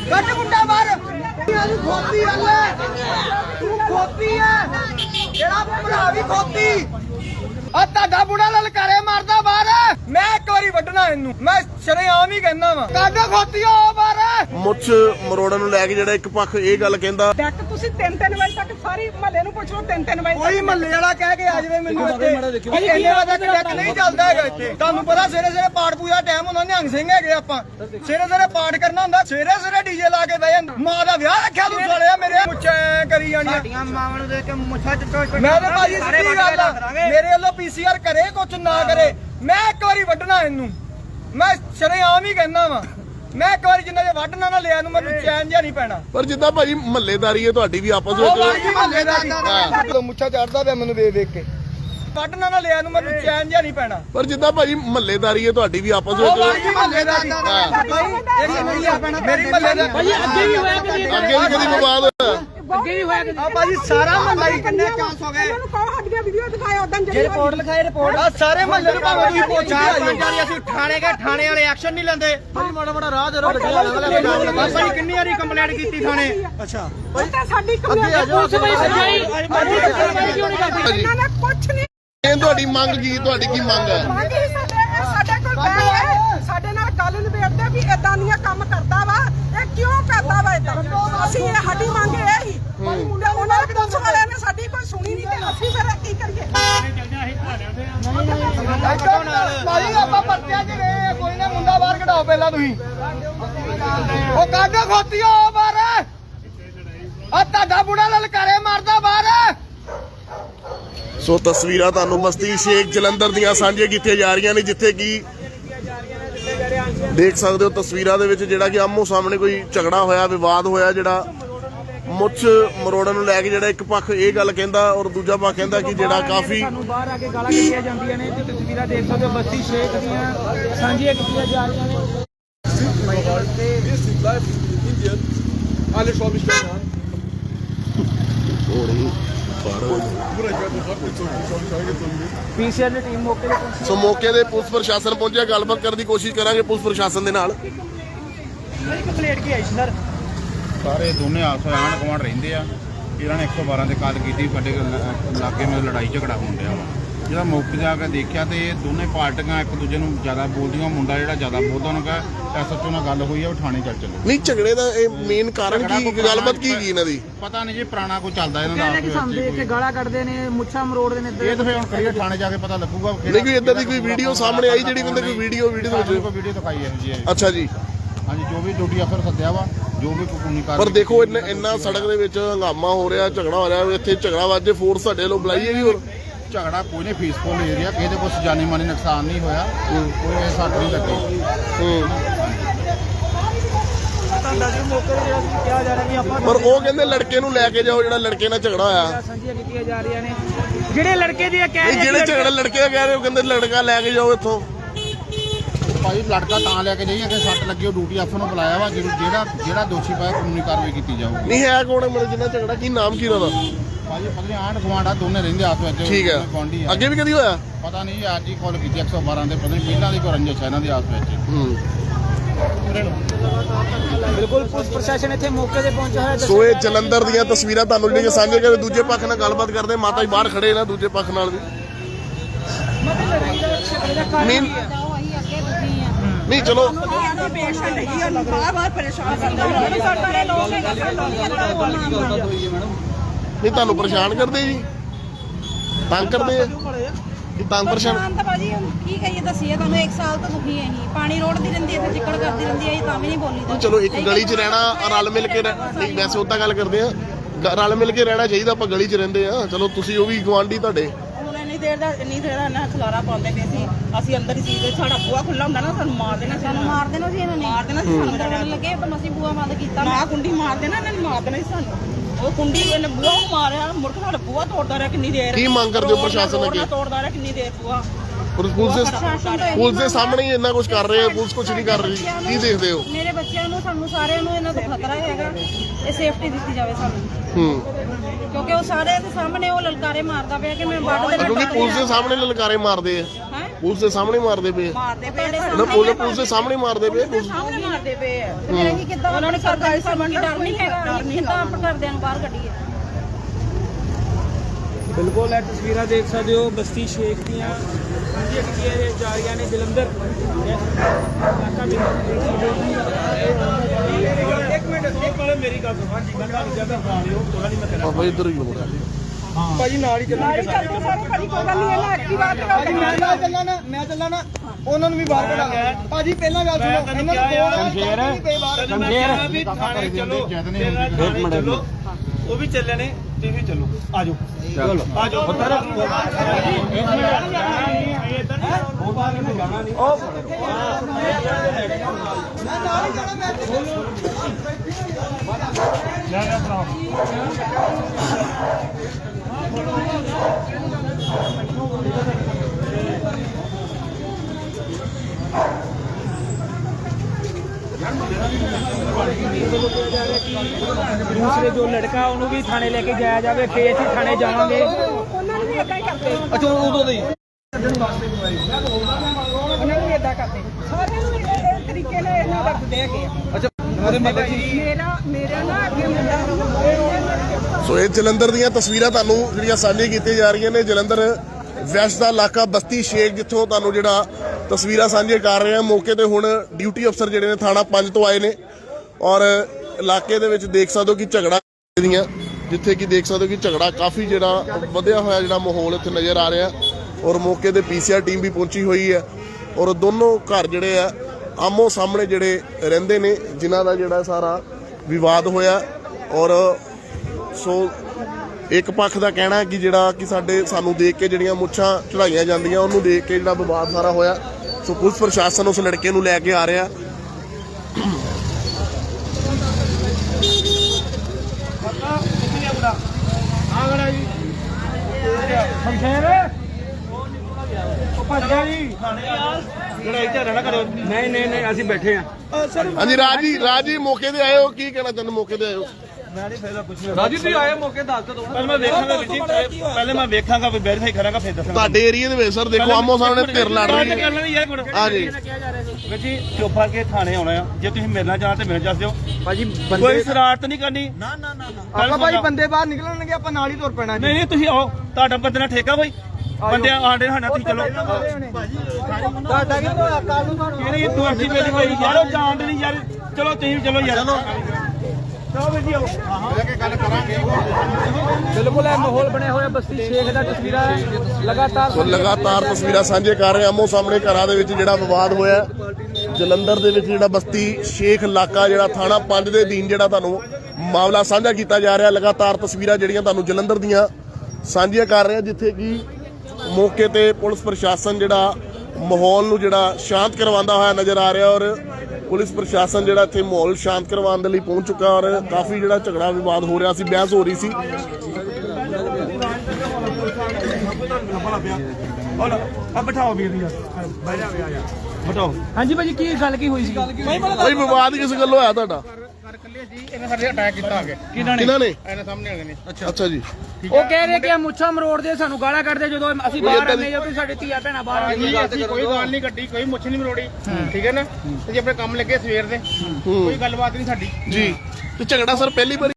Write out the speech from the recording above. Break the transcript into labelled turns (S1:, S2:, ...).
S1: ਕੱਢ ਮੁੰਡਾ ਬਾਹਰ ਤੂੰ ਖੋਤੀ ਵਾਲਾ ਤੂੰ ਖੋਤੀ ਆ ਜਿਹੜਾ ਭਰਾ ਵੀ ਖੋਤੀ ਆ ਤੁਹਾਡਾ ਬੁੜਾ ਲਲਕਾਰੇ ਮਾਰਦਾ ਬਾਹਰ ਮੈਂ ਇੱਕ ਵਾਰੀ ਵੱਢਣਾ ਇਹਨੂੰ ਮੈਂ ਸ਼ਰੇਆਮ ਹੀ ਕਹਿੰਦਾ ਵਾ ਕੱਢ ਖੋਤੀਓ ਬਾਹਰ
S2: ਮੁੱਛ ਮਰੋੜਨ ਨੂੰ ਲੈ ਕੇ ਜਿਹੜਾ ਇੱਕ ਪੱਖ ਇਹ ਗੱਲ ਕਹਿੰਦਾ
S3: ਡੈਕ ਤੁਸੀਂ 3-3 ਵਜੇ ਤੱਕ ਸਾਰੀ ਮਹੱਲੇ ਨੂੰ ਪੁੱਛ ਲਓ 3-3 ਵਜੇ
S1: ਕੋਈ ਮਹੱਲੇ ਵਾਲਾ ਕਹਿ ਕੇ ਆ ਜਾਵੇ ਮੈਨੂੰ ਇੱਥੇ ਇੰਨੇ ਵਜੇ ਤੱਕ ਡੈਕ ਨਹੀਂ ਚੱਲਦਾ ਹੈਗਾ ਇੱਥੇ ਤੁਹਾਨੂੰ ਪਤਾ ਸਵੇਰੇ ਸਵੇਰੇ ਪਾਠ ਪੂਜਾ ਟਾਈਮ ਹੁੰਦਾ ਨਿਹੰਗ ਸਿੰਘ ਹੈਗੇ ਆਪਾਂ ਸਵੇਰੇ ਸਵੇਰੇ ਪਾਠ ਕਰਨਾ ਹੁੰਦਾ ਸਵੇਰੇ ਸਵੇਰੇ ਡੀਜੇ ਲਾ ਕੇ ਬਹਿ ਜਾਂਦਾ ਮਾਂ ਦਾ ਵਿਆਹ ਰੱਖਿਆ ਤੂੰ ਸਾਲਿਆ ਮੇਰੇ ਮੁੱਛਾਂ ਕਰੀ ਜਾਣੀਆਂ ਸਾਡੀਆਂ ਮਾਵਾਂ ਨੂੰ ਦੇਖ ਕੇ ਮੁੱਛਾਂ ਚ ਮੈਂ ਤਾਂ ਭਾਜੀ ਸਿੱਧੀ ਗੱਲ ਆ ਮੇਰੇ ਵੱਲੋਂ ਪੀਸੀਆਰ ਕਰੇ ਕੁਛ ਨਾ ਕਰੇ ਮੈਂ ਇੱਕ ਵਾਰੀ ਵੱਢਣਾ ਇਹਨੂੰ ਮੈਂ ਸ਼ਰੇਆਮ ਹੀ ਕਹਿੰਦਾ ਵਾ ਮੈਂ ਇੱਕ ਵਾਰੀ ਜਿੰਨਾ ਜੇ ਵੱਢਣਾ ਨਾ ਲਿਆ ਨੂੰ ਮੈਨੂੰ ਚੈਨ ਜਿਹਾ ਨਹੀਂ ਪੈਣਾ
S2: ਪਰ ਜਿੱਦਾਂ ਭਾਜੀ ਮਹੱਲੇਦਾਰੀ ਹੈ ਤੁਹਾਡੀ ਵੀ ਆਪਸ ਵਿੱਚ
S1: ਮਹੱਲੇਦਾਰੀ ਮੁੱਛਾਂ ਚੜਦਾ ਪਿਆ ਮੈਨੂੰ ਵੇਖ ਕੇ ਵੱਢਣਾ ਨਾ ਲਿਆ ਨੂੰ ਮੈਨੂੰ ਚੈਨ ਜਿਹਾ ਨਹੀਂ ਪੈਣਾ
S2: ਪਰ ਜਿੱਦਾਂ ਭਾਜੀ ਮਹੱਲੇਦਾਰੀ ਹੈ ਤੁਹਾਡੀ ਵੀ ਆਪਸ ਵਿੱਚ
S1: ਮਹੱਲੇਦਾਰੀ ਮੇਰੀ ਮਹੱਲੇਦਾਰੀ
S3: ਭਾਜੀ ਅੱਗੇ ਵੀ ਹੋਇਆ ਕਦੀ
S2: ਅੱਗੇ ਵੀ ਕਦੀ ਵਿਵਾਦ ਹੋਇਆ
S3: ਅੱਗੇ ਵੀ ਹੋਇਆ ਕਦੀ
S1: ਆ ਭਾਜੀ ਸਾਰਾ ਮਹੱਲਾ ਹੀ ਕਿੰਨੇ ਚਾਂਸ ਹੋ ਗਏ
S3: ਇਹਨਾਂ ਨੂੰ ਕਹੋ ਸਾਡੀਆਂ ਵੀਡੀਓ ਦਿਖਾਏ ਉਦੋਂ
S1: ਜੇ ਰਿਪੋਰਟ ਲਿਖਾਏ ਰਿਪੋਰਟ ਆ ਸਾਰੇ ਮਹੱਲੇ ਨੂੰ ਭਾਵੇਂ ਤੁਸੀਂ ਪੁੱਛ ਕੇ ਆਇਓ
S4: ਅਸੀਂ ਥਾਣੇ ਗਏ ਥਾਣੇ ਵਾਲੇ ਐਕਸ਼ਨ ਨਹੀਂ ਲੈਂਦੇ
S1: ਭਾਜੀ ਮਾੜਾ ਮਾੜਾ ਰਾਹ ਦੇ ਰੋ ਗੱਡੀ
S4: ਬਾਬਾ ਜੀ ਕਿੰਨੀ ਵਾਰੀ ਕੰਪਲੇਂਟ ਕੀਤੀ ਥਾਣੇ
S1: ਅੱਛਾ
S3: ਤਾਂ ਸਾਡੀ ਕੰਪਲੇਂਟ ਪੁਲਿਸ ਵੀ ਸਜਾਈ ਕਿਉਂ ਨਹੀਂ ਕਰਦੀ ਇਹਨਾਂ ਨੇ ਕੁਝ ਨਹੀਂ
S2: ਇਹ ਤੁਹਾਡੀ ਮੰਗ ਕੀ ਤੁਹਾਡੀ ਕੀ ਮੰਗ ਹੈ
S3: ਮੰਗੀ ਸਾਡੇ ਕੋਲ ਬੈਠ ਕੇ ਸਾਡੇ ਨਾਲ ਗੱਲ ਨਿਬੇੜਦੇ ਵੀ ਇਦਾਂ ਦੀਆਂ ਕੰਮ ਕਰਦਾ ਵਾ ਇਹ ਕਿਉਂ ਕਰਦਾ ਵਾ ਇਦਾਂ ਅਸੀਂ ਇਹ ਸਾਡੀ ਮੰਗ ਇਹ ਹੀ ਮੁੰਡਾ ਉਹਨਾਂ ਦੇ ਪੁਲਿਸ ਵਾਲਿਆਂ ਨੇ ਸਾਡੀ ਕੋਈ ਸੁਣੀ ਨਹੀਂ ਤੇ ਅਸੀਂ ਫਿਰ ਕੀ ਕਰੀਏ
S1: ਭਾਜੀ ਆਪਾਂ ਪਰਚਿਆਂ 'ਚ ਗਏ ਕੋਈ ਨਾ ਮੁੰਡਾ ਬਾਹਰ ਕਢਾਓ ਪਹਿਲਾਂ ਤੁਸੀਂ ਉਹ ਕੱਢ ਖੋਤੀਓ ਬਾਹਰ ਆ ਤੁਹਾਡਾ ਬੁੜਾ ਲਲਕਾਰੇ ਮਾਰਦਾ ਬਾਹਰ
S2: ਸੋ ਤਸਵੀਰਾਂ ਤੁਹਾਨੂੰ ਬਸਤੀ ਸ਼ੇਖ ਜਲੰਧਰ ਦੀਆਂ ਸਾਂਝੀਆਂ ਕੀਤੀਆਂ ਜਾ ਰਹੀਆਂ ਨੇ ਜਿੱਥੇ ਕਿ ਦੇਖ ਸਕਦੇ ਹੋ ਤਸਵੀਰਾਂ ਦੇ ਵਿੱਚ ਜਿਹੜਾ ਕਿ ਆਮੋ ਸਾਹਮਣੇ ਕੋਈ ਝਗੜਾ ਹੋਇਆ ਵਿਵਾਦ ਹੋਇਆ ਜਿਹੜਾ ਮੁੱਛ ਮਰੋੜਨ ਨੂੰ ਲੈ ਕੇ ਜਿਹੜਾ ਇੱਕ ਪੱਖ ਇਹ ਗੱਲ ਕਹਿੰਦਾ ਔਰ ਦੂਜਾ ਪੱਖ ਕਹਿੰਦਾ ਕਿ ਜਿਹੜਾ ਕਾਫੀ
S3: ਸਾਨੂੰ ਬਾਹਰ ਆ ਕੇ ਗਾਲਾਂ ਕੱਢੀਆਂ ਜਾਂਦੀਆਂ ਨੇ ਤੇ ਤਸਵੀਰਾਂ ਦੇਖ ਸਕਦੇ ਹੋ ਬਸਤੀ ਸ਼ੇਖ ਦੀਆਂ ਸਾਂਝੀਆਂ ਕੀਤੀਆਂ ਜਾ ਰਹੀਆਂ ਨੇ ਪੀਸੀਆਰ ਦੀ ਟੀਮ ਮੌਕੇ ਤੇ ਪਹੁੰਚੀ
S2: ਸੋ ਮੌਕੇ ਦੇ ਪੁਲਿਸ ਪ੍ਰਸ਼ਾਸਨ ਪਹੁੰਚਿਆ ਗੱਲਬਾਤ ਕਰਨ ਦੀ ਕੋਸ਼ਿਸ਼ ਕਰਾਂਗੇ ਪੁਲਿਸ ਪ੍ਰਸ਼ਾਸਨ ਦੇ ਨਾਲ
S3: ਕੰਪਲੇਂਟ ਕੀ ਆਈ ਸੀ ਸਰ
S5: ਸਾਰੇ ਦੋਨੇ ਆਪਸ ਵਿੱਚ ਆਂਢ ਗੁਆਂਢ ਰਹਿੰਦੇ ਆ ਇਹਨਾਂ ਨੇ 112 ਤੇ ਕਾਲ ਕੀਤੀ ਸਾਡੇ ਲਾਗੇ ਵਿੱਚ ਲੜਾਈ ਝਗੜਾ ਹੋਣ ਡਿਆ ਵਾ ਜਿਹੜਾ ਮੌਕੇ ਜਾ ਕੇ ਦੇਖਿਆ ਤੇ ਦੋਨੇ ਪਾਰਟੀਆਂ ਇੱਕ ਦੂਜੇ ਨੂੰ ਜ਼ਿਆਦਾ ਬੋਲਦੀਆਂ ਮੁੰਡਾ ਜਿਹੜਾ ਜ਼ਿਆਦਾ ਬੋਲਦਾ ਉਹਨੂੰ ਕਹੇ ਐਸਐਚਓ ਨਾਲ ਗੱਲ ਹੋਈ ਆ ਉਹ ਥਾਣੇ ਚੱਲ ਚੱਲੋ
S2: ਨਹੀਂ ਝਗੜੇ ਦਾ ਇਹ ਮੇਨ ਕਾਰਨ ਕੀ ਗੱਲਬਾਤ ਕੀ ਇਹਨਾਂ ਦੀ
S5: ਪਤਾ ਨਹੀਂ ਜੀ ਪੁਰਾਣਾ ਕੋਈ ਚੱਲਦਾ ਇਹਨਾਂ ਦਾ
S3: ਕਿ ਸਾਨੂੰ ਦੇਖ ਕੇ ਗਾਲਾਂ ਕੱਢਦੇ ਨੇ ਮੁੱਛਾਂ ਮਰੋੜਦੇ ਨੇ
S5: ਇਹ ਤਾਂ ਫਿਰ ਹੁਣ ਕਰੀਏ ਥਾਣੇ ਜਾ ਕੇ ਪਤਾ ਲੱਗੂਗਾ
S2: ਨਹੀਂ ਕੋਈ ਇਦਾਂ ਦੀ ਕੋਈ ਵੀਡੀਓ ਸਾਹਮਣੇ ਆਈ ਜਿਹੜੀ ਕਹਿੰਦੇ ਕੋਈ ਵੀਡੀਓ ਦੇ ਵਿੱਚ
S5: ਕੋਈ ਵੀਡੀਓ ਦਿਖਾਈ ਹੈ ਜੀ
S2: ਅੱਛਾ ਜੀ
S5: ਹਾਂਜੀ ਜੋ ਵੀ ਡਿਊਟੀ ਅਫਸਰ ਸੱਦਿਆ ਵਾ ਜੋ ਵੀ ਕਾਨੂੰਨੀ ਕਾਰਵਾਈ
S2: ਪਰ ਦੇਖੋ ਇੰਨਾ ਸੜਕ ਦੇ ਵਿੱਚ ਹੰਗਾਮਾ ਹੋ ਰਿਹਾ ਝਗੜਾ ਹੋ ਰਿਹਾ ਇੱਥੇ ਝਗੜਾ ਵਾਜੇ ਫੋਰਸ ਸਾਡੇ ਵੱਲੋਂ ਬੁਲਾਈਏ ਵੀ ਹੋਰ
S5: ਝਗੜਾ ਕੋਈ ਨਹੀਂ ਪੀਸਫੁਲ ਏਰੀਆ ਕਿਸੇ ਦੇ ਕੋਈ ਜਾਨੀ ਮਾਨੀ ਨੁਕਸਾਨ ਨਹੀਂ ਹੋਇਆ ਕੋਈ ਸੱਟ ਨਹੀਂ ਲੱਗੀ
S2: ਪਰ ਉਹ ਕਹਿੰਦੇ ਲੜਕੇ ਨੂੰ ਲੈ ਕੇ ਜਾਓ ਜਿਹੜਾ ਲੜਕੇ ਨਾਲ ਝਗੜਾ ਹੋਇਆ
S3: ਸਾਂਝੀਆਂ ਕੀਤੀਆਂ ਜਾ ਰਹੀਆਂ ਨੇ ਜਿਹੜੇ ਲੜਕੇ ਦੀ ਕਹਿ
S2: ਨਹੀਂ ਜਿਹੜੇ ਝਗੜਾ ਲੜਕੇ ਦਾ ਕਹਿ ਰਹੇ ਉਹ ਕਹਿੰਦੇ ਲੜਕਾ ਲੈ ਕੇ ਜਾਓ ਇੱਥੋਂ
S5: ਭਾਈ ਲੜਕਾ ਤਾਂ ਲੈ ਕੇ ਜਾਈਏ ਕਿ ਸੱਟ ਲੱਗੀ ਉਹ ਡਿਊਟੀ ਅਫਸਰ ਨੂੰ ਬੁਲਾਇਆ ਵਾ ਜਿਹੜਾ ਦੋਸ਼ੀ ਪਾਇਆ ਕਾਨੂੰਨੀ ਕਾਰਵਾਈ ਕੀਤੀ ਜਾਊਗੀ
S2: ਨਹੀਂ ਹੈ ਕੋਣ ਮਤਲਬ ਜਿੰਨਾ ਝਗੜਾ ਕੀ ਨਾਮ ਕੀ ਉਹਦਾ
S5: ਭਾਜੀ ਪਤਲੇ ਆਂਢ ਗੁਆਂਢ ਆ ਦੋਨੇ ਰਹਿੰਦੇ ਆਪ ਵਿੱਚ
S2: ਠੀਕ ਹੈ
S5: ਗੁਆਂਢੀ ਆ
S2: ਅੱਗੇ ਵੀ ਕਦੀ ਹੋਇਆ
S5: ਪਤਾ ਨਹੀਂ ਅੱਜ ਹੀ ਕਾਲ ਕੀਤੀ 112 ਤੇ ਪਤਾ ਨਹੀਂ ਪਹਿਲਾਂ ਦੀ ਕੋਈ ਰੰਜਿਸ਼ ਹੈ ਇਹਨਾਂ ਦੀ ਆਪ ਵਿੱਚ
S3: ਬਿਲਕੁਲ ਪੁਲਿਸ ਪ੍ਰਸ਼ਾਸਨ ਇੱਥੇ ਮੌਕੇ ਤੇ ਪਹੁੰਚਿਆ ਹੋਇਆ
S2: ਸੋ ਇਹ ਜਲੰਧਰ ਦੀਆਂ ਤਸਵੀਰਾਂ ਤੁਹਾਨੂੰ ਜਿਹੜੀਆਂ ਸਾਂਝੇ ਕਰਦੇ ਦੂਜੇ ਪੱਖ ਨਾਲ ਗੱਲਬਾਤ ਕਰਦੇ ਮਾਤਾ ਜੀ ਬਾਹਰ ਖੜੇ ਨੇ ਦੂਜੇ ਪੱਖ ਨਾਲ ਵੀ ਨਹੀਂ ਚਲੋ
S3: ਪੇਸ਼ੈਂਟ ਹੈਗੀ ਆ ਬਾਰ-ਬਾਰ ਪਰੇਸ਼ਾਨ ਕਰਦਾ
S2: ਨਹੀਂ ਤੁਹਾਨੂੰ ਪਰੇਸ਼ਾਨ ਕਰਦੇ ਜੀ ਤੰਗ ਕਰਦੇ ਆ ਤੰਗ ਪਰੇਸ਼ਾਨ
S6: ਤਾਂ ਭਾਜੀ ਕੀ ਕਹੀਏ ਦੱਸੀਏ ਤੁਹਾਨੂੰ 1 ਸਾਲ ਤੋਂ ਦੁਖੀ ਹੈ ਅਸੀਂ ਪਾਣੀ ਰੋੜਦੀ ਰਹਿੰਦੀ ਹੈ ਚਿੱਕੜ ਕਰਦੀ ਰਹਿੰਦੀ ਹੈ ਤਾਂ ਵੀ ਨਹੀਂ ਬੋਲੀ
S2: ਚਲੋ ਇੱਕ ਗਲੀ 'ਚ ਰਹਿਣਾ ਰਲ ਮਿਲ ਕੇ ਨਹੀਂ ਵੈਸੇ ਉਦਾਂ ਗੱਲ ਕਰਦੇ ਆ ਰਲ ਮਿਲ ਕੇ ਰਹਿਣਾ ਚਾਹੀਦਾ ਆਪਾਂ ਗਲੀ 'ਚ ਰਹਿੰਦੇ ਆ ਚਲੋ ਤੁਸੀਂ ਉਹ ਵੀ ਗੁਆਂਢੀ ਤੁਹਾਡੇ
S6: ਹੁਣ ਇੰਨੀ ਦੇਰ ਦਾ ਇਹਨਾਂ ਖਲਾਰਾ ਪਾਉਂਦੇ ਪਏ ਅਸੀਂ ਅੰਦਰ ਹੀ ਸੀ ਸਾਡਾ ਬੂਹਾ ਖੁੱਲਾ ਹੁੰਦਾ ਨਾ ਸਾਨੂੰ ਮਾਰ ਦੇਣਾ ਸੀ ਇਹਨਾਂ ਨੇ ਮਾਰ ਦੇਣਾ ਸੀ ਸਾਨੂੰ ਡਰਨ ਲੱਗੇ ਪਰ ਅਸੀਂ ਬੂਹਾ ਬੰਦ ਕੀਤਾ ਨਾ ਕੁੰਡੀ ਮਾਰ ਦੇਣਾ ਇਹਨਾਂ ਨੇ ਮਾਰ ਦੇਣਾ ਸੀ ਸਾਨੂੰ ਉਹ ਕੁੰਡੀ ਇਹਨੇ ਬੂਹਾ ਮਾਰਿਆ ਮੁੜ ਕੇ ਸਾਡਾ ਬੂਹਾ ਤੋੜਦਾ ਰਿਹਾ ਕਿੰਨੀ ਦੇਰ
S2: ਕੀ ਮੰਗ ਕਰਦੇ ਹੋ ਪ੍ਰਸ਼ਾਸਨ ਅੱਗੇ
S6: ਤੋੜਦਾ ਰਿਹਾ ਕਿੰਨੀ ਦੇਰ ਬੂਹਾ
S2: ਪੁਲਿਸ ਦੇ ਸਾਹਮਣੇ ਹੀ ਇੰਨਾ ਕੁਝ ਕਰ ਰਹੇ ਆ ਪੁਲਿਸ ਕੁਝ ਨਹੀਂ ਕਰ ਰਹੀ ਕੀ ਦੇਖਦੇ ਹੋ
S6: ਮੇਰੇ ਬੱਚਿਆਂ ਨੂੰ ਸਾਨੂੰ ਸਾਰਿਆਂ ਨੂੰ ਇਹਨਾਂ ਤੋਂ ਖਤਰਾ ਹੈਗਾ ਇਹ ਸੇਫਟੀ ਦਿੱਤੀ ਜਾਵੇ ਸਾਨੂੰ ਕਿਉਂਕਿ ਉਹ ਸਾਰੇ ਦੇ ਸਾਹਮਣੇ ਉਹ ਲਲਕਾਰੇ ਮਾਰਦਾ ਪਿਆ ਕਿ ਮੈਂ ਵੱਢ ਦੇਣਾ
S2: ਕਿਉਂਕਿ ਪੁਲਿਸ ਦੇ ਸਾਹਮਣੇ ਲਲਕਾਰੇ ਮਾਰਦੇ ਆ
S6: ਹੈ
S2: ਪੁਲਿਸ ਦੇ ਸਾਹਮਣੇ ਮਾਰਦੇ ਪਏ
S6: ਮਾਰਦੇ ਪਏ ਨੇ
S2: ਨਾ ਪੁਲਿਸ ਦੇ ਸਾਹਮਣੇ ਮਾਰਦੇ ਪਏ ਪੁਲਿਸ
S6: ਸਾਹਮਣੇ ਮਾਰਦੇ ਪਏ ਆ ਫਿਰ ਅਸੀਂ ਕਿੱਦਾਂ ਉਹਨਾਂ ਨੇ ਸਰਕਾਰੀ ਸਾਹਮਣੇ ਡਰ ਨਹੀਂ ਹੈਗਾ ਡਰ ਨਹੀਂ ਕਿੱਦਾਂ ਆਪਾਂ ਘਰਦਿਆਂ ਨੂੰ ਬਾਹਰ ਕੱਢੀਏ
S7: ਬਿਲਕੁਲ ਇਹ ਤਸਵੀਰਾਂ ਦੇਖ ਸਕਦੇ ਹੋ ਬਸਤੀ ਸ਼ੇਖ ਦੀਆਂ ਜਿਹੜੀਆਂ ਜਾ ਰਹੀਆਂ ਨੇ ਜਲੰਧਰ ਮੇਰੀ ਗੱਲ ਸੁਣ ਹਾਂਜੀ ਬੰਦਾ ਜਿਆਦਾ ਬਣਾ ਲਿਓ ਥੋੜਾ ਨਹੀਂ ਮੈਂ ਤੇਰਾ
S2: ਬਾਬਾ ਇੱਧਰ ਹੀ ਹੋ ਰਿਹਾ
S1: ਭਾਜੀ ਨਾਲ ਹੀ
S3: ਨਾਲ ਹੀ ਚੱਲਦੇ ਸਾਰੇ ਖੜੀ ਕੋਈ ਗੱਲ ਨਹੀਂ ਇਹਨਾਂ ਐਕਟਿਵਾ ਤੇ
S1: ਭਾਜੀ ਮੈਂ ਚੱਲਾਂ ਨਾ ਉਹਨਾਂ ਨੂੰ ਵੀ ਬਾਹਰ ਕਢਾ ਭਾਜੀ ਪਹਿਲਾਂ ਗੱਲ ਸੁਣੋ ਇਹਨਾਂ ਨੂੰ
S7: ਸ਼ਮਸ਼ੇਰ
S4: ਵੀ ਥਾਣੇ ਚਲੋ ਇੱਕ ਮਿੰਟ ਚਲੋ ਉਹ ਵੀ ਚੱਲੇ ਨੇ ਤੁਸੀਂ ਵੀ ਚਲੋ ਆਜੋ ਚਲੋ ਆਜੋ
S7: ਦੂਸਰੇ ਜੋ ਲੜਕਾ ਉਹਨੂੰ ਵੀ ਥਾਣੇ ਲੈ ਕੇ ਜਾਇਆ ਜਾਵੇ ਫੇਰ ਅਸੀਂ ਥਾਣੇ ਜਾਵਾਂਗੇ
S3: ਉਹਨਾਂ ਨੂੰ ਵੀ ਇਦਾਂ ਹੀ ਕਰਦੇ
S1: ਅੱਛਾ ਉਦੋਂ ਦੇ
S3: ਉਹਨਾਂ ਨੂੰ ਵੀ ਇਦਾਂ ਕਰਦੇ ਸਾਰਿਆਂ ਨੂੰ ਇਹ ਤਰੀਕੇ ਨਾਲ ਇਹਨਾਂ ਵਰਤਦੇ ਹੈਗੇ ਆ
S1: ਅੱਛਾ
S3: ਮੇਰਾ ਨਾ ਅੱਗੇ ਮੁੰਡਾ
S2: ਸੋ ਇਹ ਜਲੰਧਰ ਦੀਆਂ ਤਸਵੀਰਾਂ ਤੁਹਾਨੂੰ ਜਿਹੜੀਆਂ ਸਾਂਝੀਆਂ ਕੀਤੀਆਂ ਜਾ ਰਹੀਆਂ ਨੇ ਜਲੰਧਰ ਵੈਸਟ ਦਾ ਇਲਾਕਾ ਬਸਤੀ ਸ਼ੇਖ ਜਿੱਥੋਂ ਤੁਹਾਨੂੰ ਜਿਹੜਾ ਤਸਵੀਰਾਂ ਸਾਂਝੀਆਂ ਕਰ ਰਹੇ ਆ ਮੌਕੇ ਤੇ ਹੁਣ ਡਿਊਟੀ ਅਫਸਰ ਜਿਹੜੇ ਨੇ ਥਾਣਾ 5 ਤੋਂ ਆਏ ਨੇ ਔਰ ਇਲਾਕੇ ਦੇ ਵਿੱਚ ਦੇਖ ਸਕਦੇ ਹੋ ਕਿ ਝਗੜਾ ਦੀਆਂ ਜਿੱਥੇ ਕਿ ਦੇਖ ਸਕਦੇ ਹੋ ਕਿ ਝਗੜਾ ਕਾਫੀ ਜਿਹੜਾ ਵਧਿਆ ਹੋਇਆ ਜਿਹੜਾ ਮਾਹੌਲ ਇੱਥੇ ਨਜ਼ਰ ਆ ਰਿਹਾ ਔਰ ਮੌਕੇ ਤੇ ਪੀਸੀਆਰ ਟੀਮ ਵੀ ਪਹੁੰਚੀ ਹੋਈ ਹੈ ਔਰ ਦੋਨੋਂ ਘਰ ਜਿਹੜੇ ਆ ਆਮੋ ਸਾਹਮਣੇ ਜਿਹੜੇ ਰਹਿੰਦੇ ਨੇ ਜਿਨ੍ਹਾਂ ਦਾ ਜਿਹੜਾ ਸਾਰਾ ਵਿਵਾਦ ਹੋਇਆ ਔਰ ਸੋ ਇੱਕ ਪੱਖ ਦਾ ਕਹਿਣਾ ਹੈ ਕਿ ਜਿਹੜਾ ਕਿ ਸਾਨੂੰ ਦੇਖ ਕੇ ਜਿਹੜੀਆਂ ਮੁੱਛਾਂ ਚੜਾਈਆਂ ਜਾਂਦੀਆਂ ਉਹਨੂੰ ਦੇਖ ਕੇ ਜਿਹੜਾ ਵਿਵਾਦ ਸਾਰਾ ਹੋਇਆ ਸੋ ਪੁਲਿਸ ਪ੍ਰਸ਼ਾਸਨ ਉਸ ਲੜਕੇ ਨੂੰ ਲੈ ਕੇ ਆ ਰਿਹਾ
S7: ਸ਼ਮਸ਼ੇਰ ਉਹ ਭੱਜ ਗਿਆ ਜੀ
S4: ਲੜਾਈ ਝਗੜਾ ਨਾ ਕਰੋ
S7: ਨਹੀਂ ਅਸੀਂ ਬੈਠੇ ਆ
S2: ਹਾਂਜੀ ਰਾਜੀ ਮੌਕੇ ਤੇ ਆਏ ਹੋ ਕੀ ਕਹਿਣਾ ਚਾਹੁੰਦੇ ਮੌਕੇ ਤੇ ਆਏ ਹੋ
S1: ਰਾਜੀ ਤੁਸੀਂ ਆਏ ਮੌਕੇ ਦੱਸ ਦੋ
S4: ਪਹਿਲੇ ਮੈਂ ਵੇਖਾਂਗਾ ਵੀਰ ਜੀ ਪਹਿਲੇ ਮੈਂ ਵੇਖਾਂਗਾ ਵੀ ਵੈਰੀਫਾਈ ਕਰਾਂਗਾ ਫਿਰ ਦੱਸਾਂਗਾ
S2: ਤੁਹਾਡੇ ਏਰੀਆ ਦੇ ਵਿੱਚ ਸਰ ਦੇਖੋ ਆਮੋ ਸਾਹਮਣੇ ਧਿਰ ਲੜ ਰਹੀ ਹੈ
S4: ਕਰਨਾ ਨਹੀਂ ਯਾਰ ਕੋਲ
S2: ਹਾਂ ਜੀ
S4: ਵੀਰ ਜੀ ਚੁੱਪ ਕਰਕੇ ਥਾਣੇ ਆਉਣਾ ਆ ਜੇ ਤੁਸੀਂ ਮੇਰੇ ਨਾਲ ਜਾਣਾ ਤੇ ਮੈਨੂੰ ਦੱਸ ਦਿਓ
S7: ਭਾਜੀ
S4: ਕੋਈ ਸ਼ਰਾਰਤ ਨਹੀਂ ਕਰਨੀ
S1: ਆਪਾਂ ਭਾਜੀ ਬੰਦੇ ਬਾਹਰ ਨਿਕਲਣਗੇ ਆਪਾਂ ਨਾਲ ਹੀ ਤੁਰ ਪੈਣਾ
S4: ਨਹੀਂ ਨਹੀਂ ਤੁਸੀਂ ਆਓ ਤੁਹਾਡਾ ਬੰਦੇ ਨਾਲ ਠੇਕਾ ਕੋਈ ਬੰਦੇ ਆਂਡੇ ਹਣਾ ਤੁਸੀਂ ਚਲੋ
S1: ਤੁਹਾਡਾ ਕੀ ਹੋਇਆ ਕੱਲ ਨੂੰ ਤੁਹਾਨੂੰ
S4: ਇਹ ਤੂੰ ਅੱਛੀ ਮੇਰੀ ਕੋਈ ਯਾਰ ਉਹ ਜਾਣਦੇ ਨਹੀਂ ਯਾਰ ਚਲੋ ਤੁਸੀਂ ਚਲੋ ਯਾਰ ਚਲੋ ਵੀਰ ਜੀ ਆਓ
S7: ਬਿਲਕੁਲ ਇਹ ਮਾਹੌਲ ਬਣਿਆ ਹੋਇਆ ਬਸਤੀ ਸ਼ੇਖ ਦਾ ਤਸਵੀਰਾਂ
S2: ਸੋ ਲਗਾਤਾਰ ਤਸਵੀਰਾਂ ਸਾਂਝੇ ਕਰ ਰਹੇ ਆਮੋ ਸਾਹਮਣੇ ਘਰਾਂ ਦੇ ਵਿੱਚ ਜਿਹੜਾ ਵਿਵਾਦ ਹੋਇਆ ਜਲੰਧਰ ਦੇ ਵਿੱਚ ਜਿਹੜਾ ਬਸਤੀ ਸ਼ੇਖ ਇਲਾਕਾ ਜਿਹੜਾ ਥਾਣਾ 5 ਦੇ ਅਧੀਨ ਜਿਹੜਾ ਤੁਹਾਨੂੰ ਮਾਮਲਾ ਸਾਂਝਾ ਕੀਤਾ ਜਾ ਰਿਹਾ ਲਗਾਤਾਰ ਤਸਵੀਰਾਂ ਜਿਹੜੀਆਂ ਤੁਹਾਨੂੰ ਜਲੰਧਰ ਦੀਆਂ ਸਾਂਝੀਆਂ ਕਰ ਰਹੇ ਜਿੱਥੇ ਕਿ ਮੌਕੇ ਤੇ ਪੁਲਿਸ ਪ੍ਰਸ਼ਾਸਨ ਜਿਹੜਾ ਮਾਹੌਲ ਨੂੰ ਜਿਹੜਾ ਸ਼ਾਂਤ ਕਰਵਾਉਂਦਾ ਹੋਇਆ ਨਜ਼ਰ ਆ ਰਿਹਾ ਔਰ ਪੁਲਿਸ ਪ੍ਰਸ਼ਾਸਨ ਜਿਹੜਾ ਇੱਥੇ ਮਾਹੌਲ ਸ਼ਾਂਤ ਕਰਵਾਉਣ ਦੇ ਲਈ ਪਹੁੰਚ ਚੁੱਕਾ ਔਰ ਕਾਫੀ ਜਿਹੜਾ ਝਗੜਾ ਵਿਵਾਦ ਹੋ ਰਿਹਾ ਸੀ ਬਹਿਸ ਹੋ ਰਹੀ ਸੀ
S4: ਆ ਬਿਠਾਓ ਵੀਰ ਜੀ ਬਹਿ ਜਾ ਬਿਠਾਓ
S7: ਹਾਂਜੀ ਭਾਜੀ ਕੀ ਗੱਲ ਕੀ ਹੋਈ ਸੀ
S2: ਕੋਈ ਵਿਵਾਦ ਕਿਸ ਗੱਲੋਂ ਹੋਇਆ ਤੁਹਾਡਾ
S5: ਇਹਨੇ ਸਾਡੇ ਅਟੈਕ ਕੀਤਾ ਅੱਗੇ
S2: ਕਿਹਨਾਂ ਨੇ
S5: ਇਹਨੇ ਸਾਹਮਣੇ ਆ ਗਏ ਨੇ
S2: ਅੱਛਾ ਜੀ
S7: ਉਹ ਕਹਿ ਰਹੇ ਕਿ ਇਹ ਮੁੱਛਾਂ ਮਰੋੜਦੇ ਸਾਨੂੰ ਗਾਲਾਂ ਕੱਢਦੇ ਜਦੋਂ ਅਸੀਂ ਬਾਹਰ ਆਨੇ ਜਦੋਂ ਸਾਡੇ ਧੀਆ ਭੈਣਾਂ ਬਾਹਰ ਆਉਂਦੀਆਂ
S5: ਅਸੀਂ ਕੋਈ ਗਾਲ ਨਹੀਂ ਕੱਢੀ ਕੋਈ ਮੁੱਛ ਨਹੀਂ ਮਰੋੜੀ ਠੀਕ ਹੈ ਨਾ ਅਸੀਂ ਆਪਣੇ ਕੰਮ ਲੱਗੇ ਸਵੇਰ ਦੇ ਕੋਈ ਗੱਲਬਾਤ ਨਹੀਂ ਸਾਡੀ
S2: ਜੀ ਤੇ ਝਗੜਾ ਸਰ ਪਹਿਲੀ ਵਾਰੀ